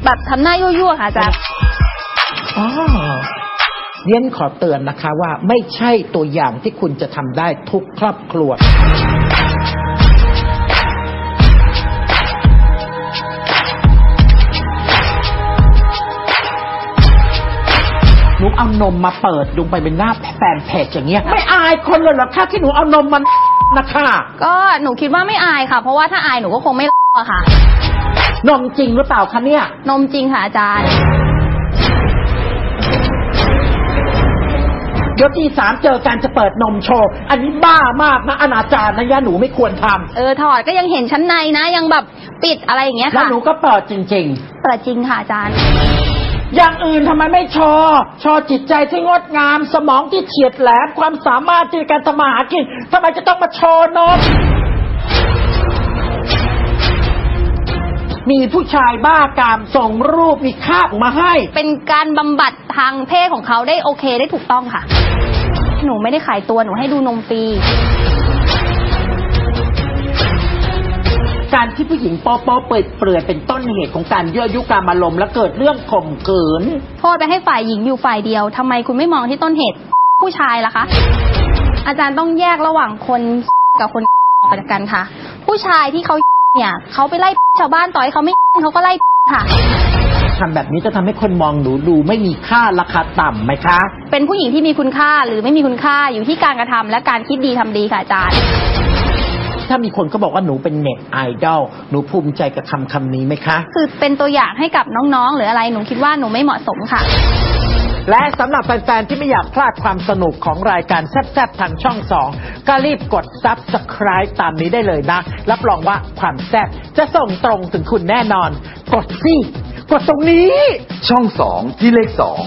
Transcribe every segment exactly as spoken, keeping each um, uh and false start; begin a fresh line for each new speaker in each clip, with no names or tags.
แบบทำหน้ายั่วๆค่ะอาจารย์
อ๋อเรียนขอเตือนนะคะว่าไม่ใช่ตัวอย่างที่คุณจะทำได้ทุกครอบครัวหนูเอานมมาเปิดลงไปเป็นหน้าแฟนเพจอย่างเงี้ยไม่อายคนเลยเหรอคะที่หนูเอานมมันนะคะ
ก็หนูคิดว่าไม่อายค่ะเพราะว่าถ้าอายหนูก็คงไม่อะค่ะ
นมจริงหรือเปล่าคะเนี่ย
นมจริงค่ะอาจารย์
เดี๋ยวที่สามเจอการจะเปิดนมโชว์อันนี้บ้ามากนะอนาจารนะย่าหนูไม่ควรทำ
เออถอดก็ยังเห็นชั้นในนะยังแบบปิดอะไรอย่างเงี้ยค่ะ
แล้วหนูก็เปิดจริง
ๆเปิดจริงค่ะอาจารย์
อย่างอื่นทำไมไม่โชว์โชว์จิตใจที่งดงามสมองที่เฉียดแหลมความสามารถในการทำมาหากินทำไมจะต้องมาโชว์นมมีผู้ชายบ้ากามส่งรูปมีคาบมาให้
เป็นการบำบัดทางเพศของเขาได้โอเคได้ถูกต้องค่ะหนูไม่ได้ขายตัวหนูให้ดูนมฟรี
การที่ผู้หญิงโป๊ะโป๊ะเปิดเปลือยเป็นต้นเหตุของการยั่วยุกามอารมณ์และเกิดเรื่องข่มขืน
โทษไปให้ฝ่ายหญิงอยู่ฝ่ายเดียวทำไมคุณไม่มองที่ต้นเหตุผู้ชายล่ะคะอาจารย์ต้องแยกระหว่างคนกับคนออกจากกันค่ะผู้ชายที่เขาเนี่ยเขาไปไล่ชาวบ้านต่อยเขาไม่เขาก็ไล่ค่ะ
ทำแบบนี้จะทำให้คนมองหนูดูไม่มีค่าราคาต่ำไหมคะ
เป็นผู้หญิงที่มีคุณค่าหรือไม่มีคุณค่าอยู่ที่การกระทำและการคิดดีทำดีค่ะอาจารย์
ถ้ามีคนก็บอกว่าหนูเป็นเน็ตไอดอลหนูภูมิใจกับคำคำนี้ไหมคะ
คือเป็นตัวอย่างให้กับน้องๆหรืออะไรหนูคิดว่าหนูไม่เหมาะสมค่ะ
และสำหรับแฟนๆที่ไม่อยากพลาดความสนุกของรายการแซ่บๆทางช่องสองก็รีบกด ซับสไครบ์ ตามนี้ได้เลยนะรับรองว่าความแซ่บจะส่งตรงถึงคุณแน่นอนกดสิกดตรงนี้
ช่องสองที่เลขสอง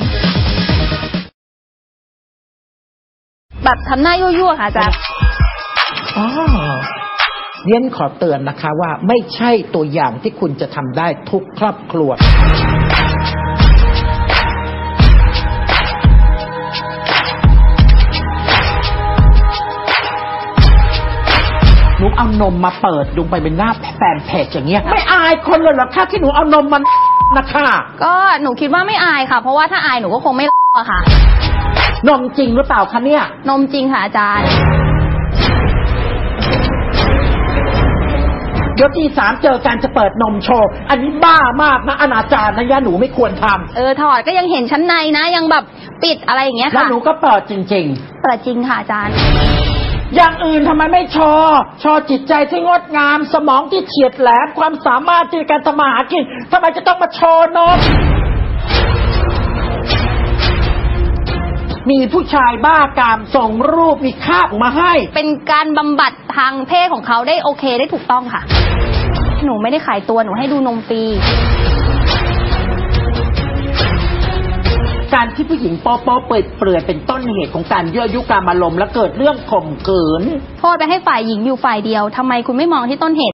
แบบทำหน้ายั่วๆค่ะอาจารย์
อ๋อเรียนขอเตือนนะคะว่าไม่ใช่ตัวอย่างที่คุณจะทำได้ทุกครอบครัวหนูเอานมมาเปิดลงไปเป็นหน้าแฟนเพจอย่างเงี้ยไม่อายคนเลยเหรอคะที่หนูเอานมมันนะคะ
ก็หนูคิดว่าไม่อายค่ะเพราะว่าถ้าอายหนูก็คงไม่อะค่ะ
นมจริงหรือเปล่าคะเนี่ย
นมจริงค่ะอาจารย์
เดี๋ยวที่สามเจอการจะเปิดนมโชว์อันนี้บ้ามากนะอนาจารนะย่าหนูไม่ควรทำ
เออถอดก็ยังเห็นชั้นในนะยังแบบปิดอะไรอย่างเงี้ยค่ะ
แล้วหนูก็เปิดจริง
ๆเปิดจริงค่ะอาจารย์
อย่างอื่นทำไมไม่โชว์โชว์จิตใจที่งดงามสมองที่เฉียดแหลมความสามารถในการทำมาหากินทำไมจะต้องมาโชว์นมมีผู้ชายบ้ากามส่งรูปมีคาบมาให้
เป็นการบำบัดทางเพศของเขาได้โอเคได้ถูกต้องค่ะหนูไม่ได้ขายตัวหนูให้ดูนมฟรี
การที่ผู้หญิงโป๊ะโป๊ะเปิดเปลือยเป็นต้นเหตุของการยั่วยุกามอารมณ์และเกิดเรื่องข่มขืน
โทษไปให้ฝ่ายหญิงอยู่ฝ่ายเดียวทำไมคุณไม่มองที่ต้นเหตุ